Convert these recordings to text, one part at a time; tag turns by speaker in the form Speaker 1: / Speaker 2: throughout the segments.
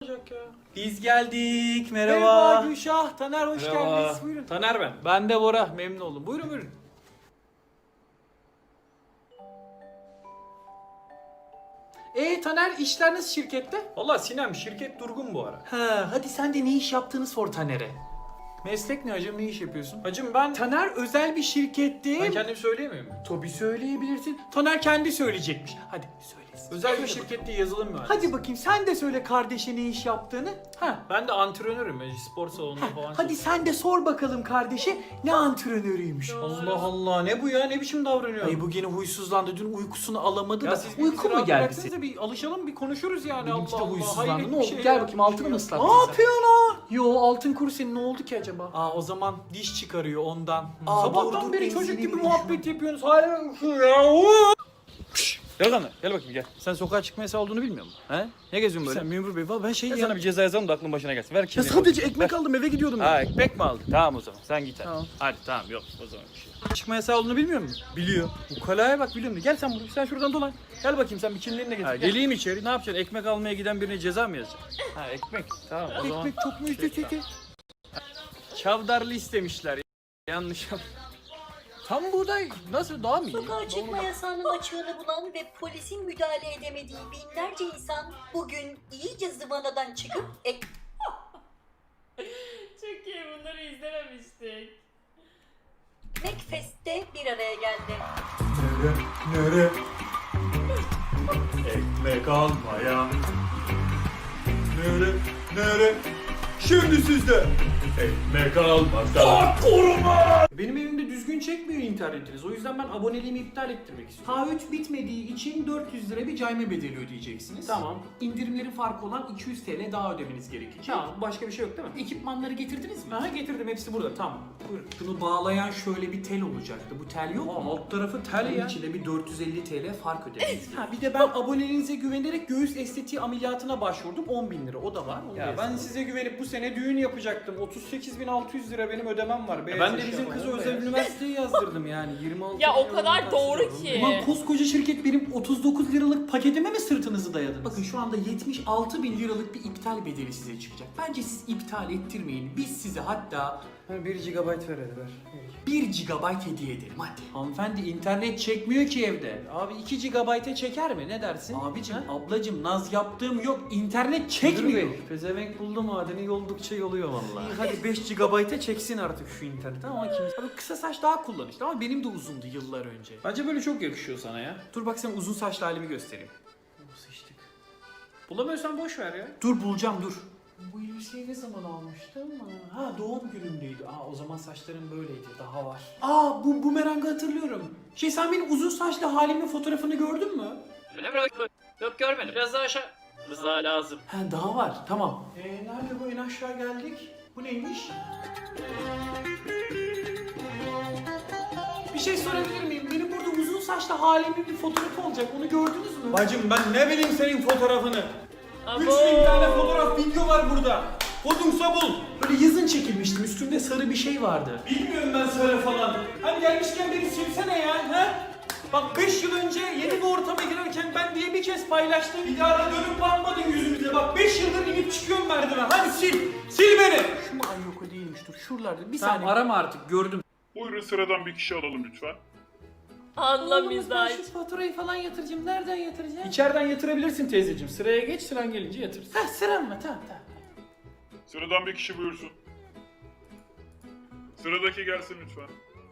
Speaker 1: olacak ya.
Speaker 2: Biz geldik.
Speaker 1: Merhaba Gülşah, Taner hoş
Speaker 2: Merhaba.
Speaker 1: geldiniz. Buyurun.
Speaker 2: Taner ben.
Speaker 1: Ben de Bora, memnun oldum. Buyurun buyurun. Taner işler nasıl şirkette?
Speaker 2: Valla Sinem şirket durgun bu ara.
Speaker 1: Ha, hadi sen de ne iş yaptığını sor Taner'e. Meslek ne hacım, ne iş yapıyorsun?
Speaker 2: Hacım ben
Speaker 1: Taner özel bir şirkette.
Speaker 2: ben kendim söyleyemiyor muyum?
Speaker 1: Tabii söyleyebilirsin. Taner kendi söyleyecekmiş. Hadi söylesin.
Speaker 2: Özel bir şirkette yazılım mühendisi.
Speaker 1: Hadi bakayım sen de söyle kardeşe ne iş yaptığını. Ha.
Speaker 2: Ben de antrenörüm. Spor salonunda falan.
Speaker 1: Hadi sen de sor bakalım kardeşe ne antrenörüymüş.
Speaker 2: Allah Allah ne bu ya? Ne biçim davranıyor?
Speaker 1: Ay bu gene huysuzlandı. Dün uykusunu alamadı
Speaker 2: Ya
Speaker 1: da.
Speaker 2: siz bir
Speaker 1: Uyku mu
Speaker 2: rahat
Speaker 1: geldi
Speaker 2: bıraksanıza,
Speaker 1: senin?
Speaker 2: bir alışalım, bir konuşuruz yani.
Speaker 1: Benimki de
Speaker 2: Allah Allah.
Speaker 1: huysuzlandı.
Speaker 2: Hayret
Speaker 1: Ne
Speaker 2: bir
Speaker 1: oldu?
Speaker 2: şey
Speaker 1: Gel
Speaker 2: ya.
Speaker 1: bakayım altını mı ıslattın
Speaker 2: Ne
Speaker 1: sen?
Speaker 2: yapıyorsun lan?
Speaker 1: Yo altın kuru senin ne oldu ki acaba?
Speaker 2: Aa o zaman diş çıkarıyor ondan.
Speaker 1: Aa,
Speaker 2: Sabahtan
Speaker 1: dur,
Speaker 2: beri
Speaker 1: benzini
Speaker 2: çocuk gibi
Speaker 1: bir
Speaker 2: muhabbet yapıyorsunuz. Hala ya.
Speaker 3: Gel lan, gel bakayım gel.
Speaker 2: Sen sokağa çıkma yasağı olduğunu bilmiyor musun?
Speaker 3: He? Ne geziyorsun böyle?
Speaker 2: Sen memur bey valla ben şey
Speaker 3: Ben
Speaker 2: ya.
Speaker 3: sana bir ceza yazalım da aklın başına gelsin. Ver
Speaker 2: Ya
Speaker 3: kimliğini.
Speaker 2: sadece
Speaker 3: bakayım.
Speaker 2: ekmek
Speaker 3: Ver.
Speaker 2: aldım eve gidiyordum
Speaker 3: Ha
Speaker 2: ben.
Speaker 3: ekmek mi aldın? Tamam o zaman sen git hadi.
Speaker 2: Tamam.
Speaker 3: Hadi tamam yok o zaman bir şey.
Speaker 2: Çıkma yasağı olduğunu bilmiyor musun?
Speaker 3: Biliyor.
Speaker 2: Ukalaya bak biliyorum. Gel sen buraya. Sen şuradan dolan. Gel bakayım sen bir kimliğini de getir.
Speaker 3: Ha,
Speaker 2: Gel.
Speaker 3: geleyim içeri ne yapacaksın? Ekmek almaya giden birine ceza mı yazacaksın? Ha ekmek tamam o zaman.
Speaker 2: Ekmek çok mu üstü
Speaker 3: Çavdarlı istemişler. Yanlış yap. Tam buğday nasıl daha mı iyi?
Speaker 4: Sokağa çıkma yasağının açığını bulan ve polisin müdahale edemediği binlerce insan bugün iyice zıvanadan çıkıp
Speaker 5: Çok iyi, bunları izlememiştik.
Speaker 4: Ekmekfest'te bir araya geldi.
Speaker 2: Nere? Ekmek almaya. Nere? Şimdi sizde. Ekmek almakta. Benim evimde düzgün çekmiyor internetiniz. O yüzden ben aboneliğimi iptal ettirmek istiyorum.
Speaker 1: Taahhüt bitmediği için 400 lira bir cayma bedeli ödeyeceksiniz.
Speaker 2: Tamam.
Speaker 1: İndirimlerin farkı olan 200 TL daha ödemeniz gerekecek.
Speaker 2: Tamam başka bir şey yok değil mi?
Speaker 1: Ekipmanları getirdiniz mi?
Speaker 2: Aha getirdim hepsi burada tamam. Buyurun.
Speaker 1: Şunu bağlayan şöyle bir tel olacaktı. Bu tel yok mu?
Speaker 2: Alt tarafı tel
Speaker 1: Bunun
Speaker 2: ya.
Speaker 1: içinde bir 450 TL fark ödediniz.
Speaker 2: Ha bir de ben aboneliğinize güvenerek göğüs estetiği ameliyatına başvurdum. 10.000 lira o da var. Onu da
Speaker 3: Ya ben
Speaker 2: yazalım.
Speaker 3: size güvenip bu sene düğün yapacaktım. 38.600 liralık benim var. Beyaz
Speaker 2: Ben de
Speaker 3: eşya
Speaker 2: bizim
Speaker 3: falan,
Speaker 2: kızı
Speaker 3: beyaz.
Speaker 2: özel üniversiteye yazdırdım yani 26
Speaker 5: Ya o
Speaker 2: milyon
Speaker 5: kadar
Speaker 2: taksit
Speaker 5: doğru
Speaker 2: aldım.
Speaker 5: ki.
Speaker 1: Ulan koskoca şirket benim 39 liralık paketime mi sırtınızı dayadınız? Bakın şu anda 76 bin liralık bir iptal bedeli size çıkacak. Bence siz iptal ettirmeyin. Biz size hatta
Speaker 2: 1 GB ver hadi ver.
Speaker 1: 1 GB hediye edelim hadi.
Speaker 2: Hanımefendi internet çekmiyor ki evde. Abi 2 GB'e çeker mi? Ne dersin?
Speaker 1: Abicim,
Speaker 2: Ha?
Speaker 1: ablacım naz yaptığım yok. İnternet
Speaker 2: Müdür
Speaker 1: çekmiyor.
Speaker 2: Bey, pezevenk buldu madeni yoldukça yoluyor vallahi. İyi hadi 5 GB'e çeksin artık şu internet ama kim?
Speaker 1: Abi kısa saç daha kullanışlı ama benim de uzundu yıllar önce.
Speaker 3: Bence böyle çok yakışıyor sana ya.
Speaker 1: Dur bak sana uzun saçlı halimi göstereyim.
Speaker 2: Sıçtık. Bulamıyorsan boş ver ya.
Speaker 1: Dur bulacağım dur. Bu elbiseyi ne zaman almıştım? Ha doğum günümdeydi. Aa o zaman saçlarım böyleydi. Daha var. Aa bu bumerangı hatırlıyorum. Sen benim uzun saçlı halimin fotoğrafını gördün mü?
Speaker 3: Öyle mi? Yok görmedim. Biraz daha aşağı. Rıza lazım.
Speaker 1: Ha daha var. Tamam. Nerede bu en aşağı geldik? Bu neymiş? Bir şey sorabilir miyim? Benim burada uzun saçlı halimin bir fotoğrafı olacak. Onu gördünüz mü?
Speaker 2: Bacım ben ne bileyim senin fotoğrafını.
Speaker 5: Abo.
Speaker 2: 3000 tane fotoğraf video var burada. Kodumsa bul.
Speaker 1: Böyle yazın çekilmiştim. Üstünde sarı bir şey vardı.
Speaker 2: Bilmiyorum ben söyle falan. Hani gelmişken beni silsene ya. He? Bak 5 yıl önce yeni bir ortama girerken ben diye bir kez paylaştım. Bir daha da dönüp bakmadın yüzümüze. Bak 5 yıldır inip çıkıyorum merdiven. Hadi sil. Sil beni.
Speaker 1: Şu mu? Ay yok o değilmiş. Dur şuralarda. Bir
Speaker 2: Tamam
Speaker 1: saniye.
Speaker 2: arama artık gördüm.
Speaker 6: Buyurun sıradan bir kişi alalım lütfen.
Speaker 5: Anla
Speaker 1: Oğlum, ben
Speaker 5: mizah.
Speaker 1: şu faturayı falan yatıracağım. Nereden yatıracağım?
Speaker 2: İçeriden yatırabilirsin teyzeciğim. Sıraya geç sıran gelince yatırsın.
Speaker 1: Ha sıram mı? Tamam.
Speaker 6: Sıradan bir kişi buyursun. Sıradaki gelsin lütfen.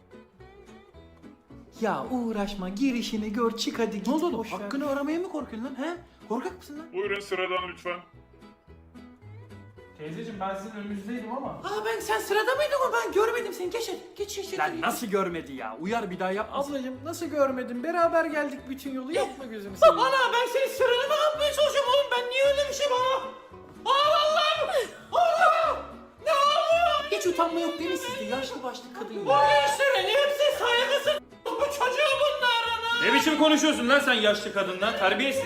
Speaker 1: Ya uğraşma girişini gör çık hadi git.
Speaker 2: Ne oldu oğlum?
Speaker 1: boş ver.
Speaker 2: Hakkını aramaya mı korkuyorsun lan? He? Korkak mısın lan?
Speaker 6: Buyurun sıradan lütfen.
Speaker 2: Teyzeciğim ben sizin önünüzdeydim ama.
Speaker 1: Aa sen sırada mıydın o? Ben görmedim seni. Geç hadi. Geç.
Speaker 2: Lan nasıl görmedi ya? Uyar bir daha yapma. Ablacığım nasıl görmedin? Beraber geldik bütün yolu. Yapma gözünü seveyim.
Speaker 1: Ana ben senin sıranı mı yapmaya çalışıyorum oğlum? Ben niye öyle bir şey bana? Allah'ım! Allah! Ne oluyor? Hiç utanma yok değil mi sizde? Yaşlı başlı kadın ya. Bu gençlerin hepsi saygısız. Bu çocuğu bunlar ana.
Speaker 3: Ne biçim konuşuyorsun lan sen yaşlı kadınla? Terbiyesiz.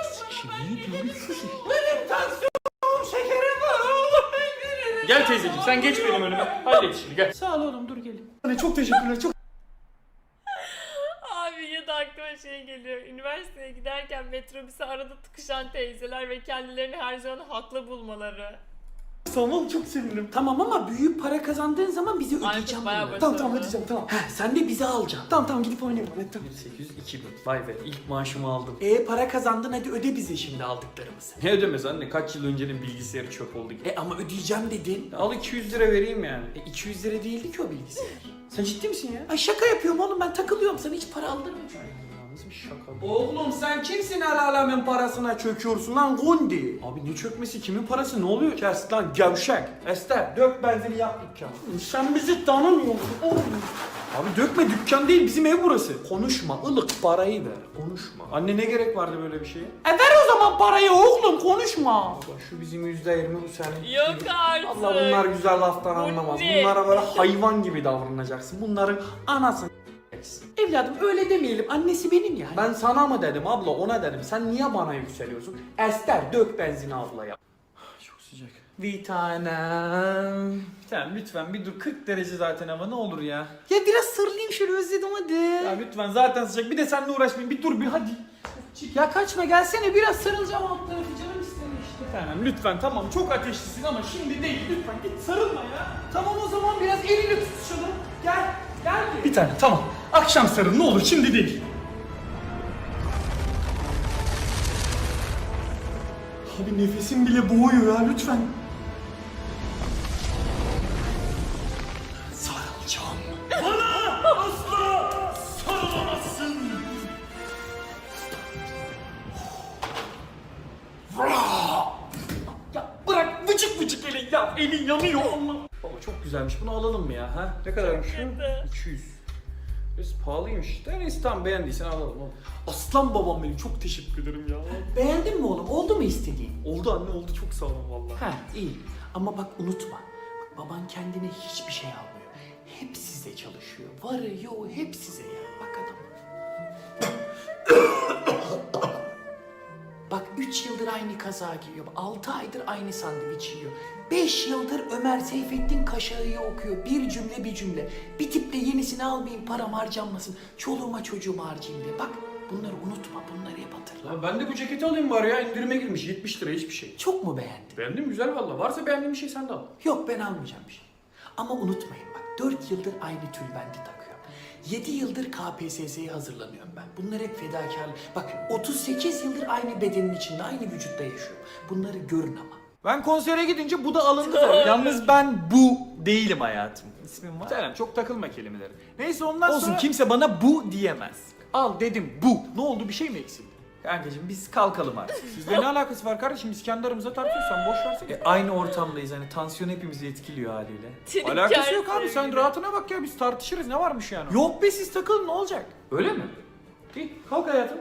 Speaker 1: Benim tansiyonum şekerim var oğlum.
Speaker 3: Gel teyzeciğim sen geç benim önüme. Hallet işini gel.
Speaker 1: Sağ ol oğlum dur gelin. Çok teşekkürler çok.
Speaker 5: Abi ya da aklıma şey geliyor. Üniversite üniversiteye giderken metrobüse arada tıkışan teyzeler ve kendilerini her zaman haklı bulmaları.
Speaker 2: Tamam çok sevinirim.
Speaker 1: Tamam ama büyük para kazandığın zaman bizi
Speaker 5: Aykut
Speaker 1: ödeyeceğim.
Speaker 5: bayağı
Speaker 1: bunları.
Speaker 5: başarılı.
Speaker 2: Tamam ödeyeceğim tamam.
Speaker 1: He, sen de bizi alacaksın. Tamam gidip oynayalım. Hadi, tamam.
Speaker 3: 1800-2000. Vay be ilk maaşımı aldım.
Speaker 1: Para kazandın, hadi öde bize şimdi aldıklarımızı.
Speaker 3: Ne ödemez anne? Kaç yıl öncenin bilgisayarı çöp oldu.
Speaker 1: Ama ödeyeceğim dedin.
Speaker 3: Al 200 lira vereyim yani.
Speaker 1: 200 lira değildi ki o bilgisayar.
Speaker 3: Sen ciddi misin ya?
Speaker 1: Ay şaka yapıyorum oğlum, ben takılıyorum, sana hiç para aldırmayacağım.
Speaker 3: Nasıl bir şaka bu?
Speaker 1: Oğlum sen kimsin el alemin parasına çöküyorsun lan Gundi?
Speaker 3: Abi ne çökmesi? Kimin parası? Ne oluyor?
Speaker 1: Kes lan gevşek. Ester dök benzini yak dükkanı. Sen bizi tanımıyorsun oğlum.
Speaker 3: Abi dökme, dükkan değil, bizim ev burası.
Speaker 1: Konuşma, ılık parayı ver, konuşma.
Speaker 3: Anne ne gerek vardı böyle bir şeye?
Speaker 1: Ver o zaman parayı oğlum, konuşma.
Speaker 3: Bak şu bizim %20, bu senin.
Speaker 5: Yok artık.
Speaker 3: Allah bunlar güzel laftan anlamaz.
Speaker 5: ne?
Speaker 3: Bunlara böyle hayvan gibi davranacaksın. Bunların anasını
Speaker 1: Evladım öyle demeyelim, annesi benim ya.
Speaker 3: Ben sana mı dedim abla, ona dedim. Sen niye bana yükseliyorsun?
Speaker 1: Ester dök benzini ablaya.
Speaker 3: Çok sıcak.
Speaker 1: Bir tanem.
Speaker 3: Bir tane lütfen bir dur. 40 derece zaten hava, ne olur ya.
Speaker 1: Ya biraz sarılayım şöyle, özledim hadi.
Speaker 3: Ya lütfen zaten sıcak. Bir de seninle uğraşmayayım. Bir dur bir hadi.
Speaker 1: Ya kaçma, gelsene biraz sarılacağım, alt tarafı canım istemiş işte.
Speaker 3: Bir tanem lütfen, tamam çok ateşlisin ama şimdi değil. Lütfen git sarılma ya.
Speaker 1: Tamam o zaman biraz elini tutuşalım. Gel, gel.
Speaker 3: Bir tane tamam. Akşam sarıl ne olur, şimdi değil. Abi nefesim bile boğuyor ya, lütfen.
Speaker 1: Sarılacağım.
Speaker 3: Sarılamazsın.
Speaker 1: Ya bırak vıcık vıcık elin ya, elin yanıyor Allah.
Speaker 3: Baba çok güzelmiş, bunu alalım mı ya? Ha? Ne kadarmış şu?
Speaker 5: kötü.
Speaker 3: 200. Biraz pahalıymış. Neyse tamam, beğendiysen alalım oğlum.
Speaker 1: Aslan babam benim, çok teşekkür ederim ya. Beğendin mi oğlum? Oldu mu istediğin?
Speaker 3: Oldu anne, oldu, çok sağ olun valla.
Speaker 1: Ha iyi. Ama bak unutma. Bak, baban kendine hiçbir şey almıyor. Hep size çalışıyor. Varı yoğu hep size ya. Bak adam. Bak 3 yıldır aynı kaza giyiyor. 6 aydır aynı sandviç yiyor. 5 yıldır Ömer Seyfettin Kaşağı'yı okuyor. Bir cümle bir cümle. Bir tiple yenisini almayayım, param harcanmasın. Çoluğuma çocuğuma harcayayım diye. Bak bunları unutma, bunları hep hatırla.
Speaker 3: Ya ben de bu ceketi alayım bari ya, indirime girmiş 70 lira, hiçbir şey.
Speaker 1: Çok mu beğendin?
Speaker 3: Beğendim, güzel valla. Varsa beğendiğin bir şey sen de al.
Speaker 1: Yok ben almayacağım bir şey. Ama unutmayın bak 4 yıldır aynı tülbenti takıyorum. 7 yıldır KPSS'ye hazırlanıyorum ben. Bunlar hep fedakarlık. Bak 38 yıldır aynı bedenin içinde, aynı vücutta yaşıyorum. Bunları görün ama.
Speaker 2: Ben konsere gidince bu da alındı tabii. Yalnız ben bu değilim hayatım. İsmim var.
Speaker 3: Selam, çok takılma kelimeleri.
Speaker 2: Neyse ondan
Speaker 3: Olsun,
Speaker 2: sonra... kimse bana bu diyemez.
Speaker 3: Al dedim bu. Ne oldu, bir şey mi eksildi?
Speaker 2: Kankacığım biz kalkalım artık.
Speaker 3: Sizle ne alakası var kardeşim? Biz kendi aramızda tartışıyoruz, sen boş versene.
Speaker 2: Aynı ortamdayız hani tansiyon hepimizi etkiliyor haliyle.
Speaker 3: Alakası yok abi, sen
Speaker 5: sevgilim.
Speaker 3: rahatına bak ya, biz tartışırız, ne varmış yani?
Speaker 2: Yok be siz takılın ne olacak?
Speaker 3: Öyle mi? İyi, kalk hayatım.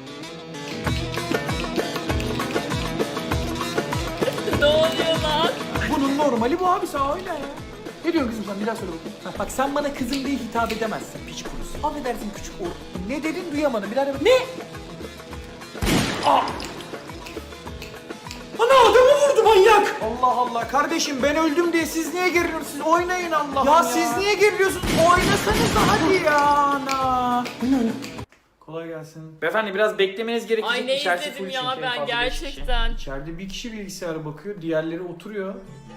Speaker 5: Ne oluyor lan?
Speaker 2: Bunun normali bu abi sağ öyle ya. Ne diyorsun kızım sen bir daha söyle bakayım. Ha, bak sen bana kızım diye hitap edemezsin piç kurusu. Affedersin küçük or. Ne dedin duyamadım bir daha de. Ne?
Speaker 1: Ana adamı vurdu manyak.
Speaker 2: Allah Allah kardeşim ben öldüm diye siz niye geriliyorsunuz? Siz oynayın Allah ya. Siz niye geriliyorsunuz? Oynasanız da hadi ya ana.
Speaker 3: Kolay gelsin. Beyefendi biraz beklemeniz gerekecek.
Speaker 5: Ay ne
Speaker 3: İçerisi
Speaker 5: izledim
Speaker 3: full
Speaker 5: ya
Speaker 3: çünkü, en
Speaker 5: ben
Speaker 3: fazla beş kişi.
Speaker 5: gerçekten.
Speaker 3: İçeride bir kişi bilgisayara bakıyor, diğerleri oturuyor.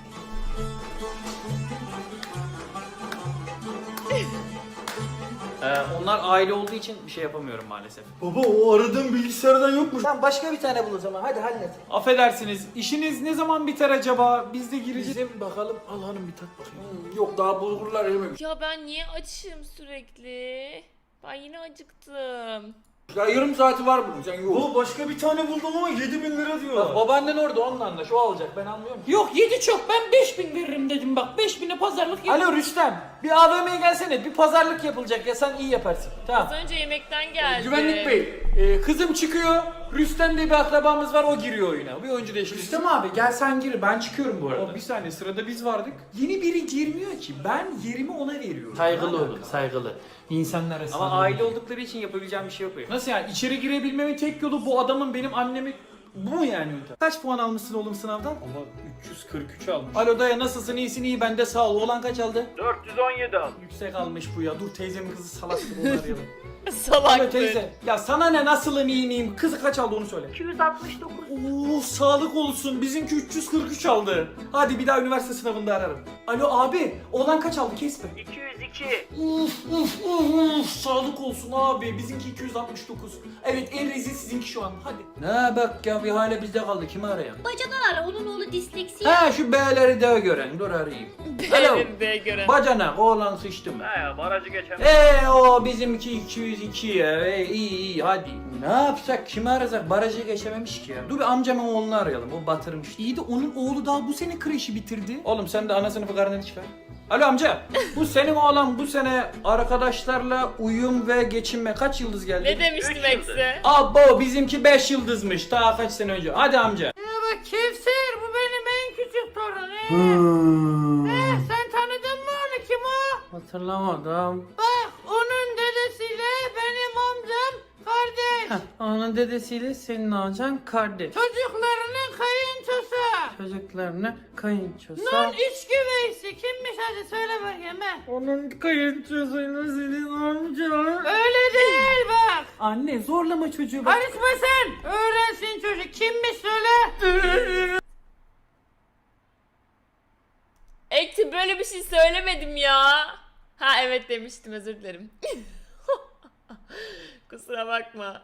Speaker 3: Onlar aile olduğu için bir şey yapamıyorum maalesef.
Speaker 2: Baba o aradığım bilgisayardan yokmuş. Tamam başka bir tane bul o zaman hadi hallet.
Speaker 3: Affedersiniz, işiniz ne zaman biter acaba? Biz de gireceğiz.
Speaker 1: Bizim bakalım, al hanım bir tat bakayım.
Speaker 2: Yok daha bulgurlar erimemiş.
Speaker 5: Ya ben niye açım sürekli? Ben yine acıktım.
Speaker 2: Ya yarım saati var bunun sen yok.
Speaker 3: Bu başka bir tane buldum ama 7.000 lira diyor.
Speaker 2: Bak babaannen orada onunla anlaş o alacak ben anlıyorum.
Speaker 1: Yok 7 çok, ben 5000 veririm dedim bak, 5000'e pazarlık yap.
Speaker 2: Alo Rüstem bir AVM'ye gelsene bir pazarlık yapılacak ya sen iyi yaparsın. Tamam.
Speaker 5: Az önce yemekten geldi.
Speaker 2: Güvenlik bey kızım çıkıyor Rüstem diye bir akrabamız var o giriyor oyuna. Bir oyuncu değişikliği.
Speaker 1: Rüstem abi gel sen gir, ben çıkıyorum bu arada.
Speaker 3: Bir saniye, sırada biz vardık.
Speaker 1: Yeni biri girmiyor ki, ben yerimi ona veriyorum.
Speaker 2: Saygılı olun saygılı. İnsanlar arasında.
Speaker 3: Ama aile oldukları için yapabileceğim bir şey yok benim. Nasıl yani? İçeri girebilmemin tek yolu bu adamın benim annemi... Bu mu yani yöntem?
Speaker 2: Kaç puan almışsın oğlum sınavdan?
Speaker 3: Ama 343 almış.
Speaker 2: Alo daya nasılsın iyisin iyi ben de sağ ol. Oğlan kaç aldı?
Speaker 3: 417 almış.
Speaker 2: Yüksek almış bu ya. Dur teyzemin kızı salak gibi onu arayalım.
Speaker 5: Salaktır.
Speaker 2: Alo teyze. Ya sana ne, nasılım, iyi miyim? Kızı kaç aldı onu söyle.
Speaker 4: 269.
Speaker 2: Oo, sağlık olsun. Bizimki 343 aldı. Hadi bir daha üniversite sınavında ararım. Alo abi, oğlan kaç aldı, kesme.
Speaker 1: 202.
Speaker 2: Sağlık olsun abi. Bizimki 269. Evet, en rezil sizinki şu an. Hadi.
Speaker 3: Ne bak ya, bir hale bizde kaldı, kimi arayalım?
Speaker 4: Bacadan ara, onun oğlu disleksi.
Speaker 3: Ha şu B'leri de gören, dur arayayım. Alo.
Speaker 5: Belirde gören.
Speaker 3: Bacanak, oğlan sıçtı mı?
Speaker 1: He ya barajı geçen.
Speaker 3: O bizimki 202 ya. İyi hadi. Ne yapsak, kimi arasak, barajı geçememiş ki ya. Dur bir amcamın oğlunu arayalım, o batırmış.
Speaker 2: İyi de onun oğlu daha bu sene kreşi bitirdi.
Speaker 3: Oğlum sen de ana sınıfı karneni çıkar. Alo amca, bu senin oğlan bu sene arkadaşlarla uyum ve geçinme kaç yıldız geldi?
Speaker 5: Ne demiştim
Speaker 1: Üç yıldız.
Speaker 5: Ekse?
Speaker 3: Abo bizimki 5 yıldızmış daha kaç sene önce. Hadi amca.
Speaker 7: Kevser, bu benim en küçük torunum. Sen tanıdın mı onu, kim o?
Speaker 3: Hatırlamadım.
Speaker 7: Bak, onun dedesiyle benim amcam kardeş.
Speaker 3: Onun dedesiyle senin amcan kardeş.
Speaker 7: Çocuklarının kayınçosu.
Speaker 3: Çocuklarını kayınçosu.
Speaker 7: Nun içki veysi kimmiş, hadi söyle bakayım he.
Speaker 3: Onun kayınçosuyla senin amcan.
Speaker 7: Öyle değil bak.
Speaker 2: Anne zorlama çocuğu. Bak.
Speaker 7: Karışma sen. Öğrensin çocuk, kimmiş söyle.
Speaker 5: Ekti böyle bir şey söylemedim ya. Ha evet demiştim, özür dilerim. Kusura bakma.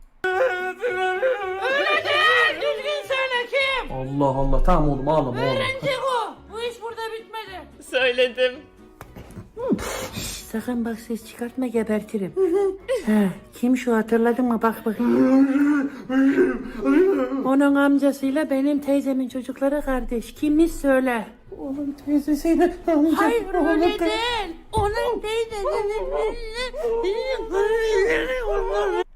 Speaker 7: Öyle değil, düzgün söyle kim?
Speaker 2: Allah Allah, tamam oğlum ağlama oğlum.
Speaker 7: Öğrenecek o. Bu iş burada bitmedi.
Speaker 5: Söyledim.
Speaker 7: Sakın bak ses çıkartma, gebertirim. He, kim şu, hatırladın mı? Bak bakayım. Onun amcasıyla benim teyzemin çocukları kardeş. Kimmiş söyle.
Speaker 2: Oğlum teyzesiyle amca.
Speaker 7: Hayır öyle değil. Onun teyzesinin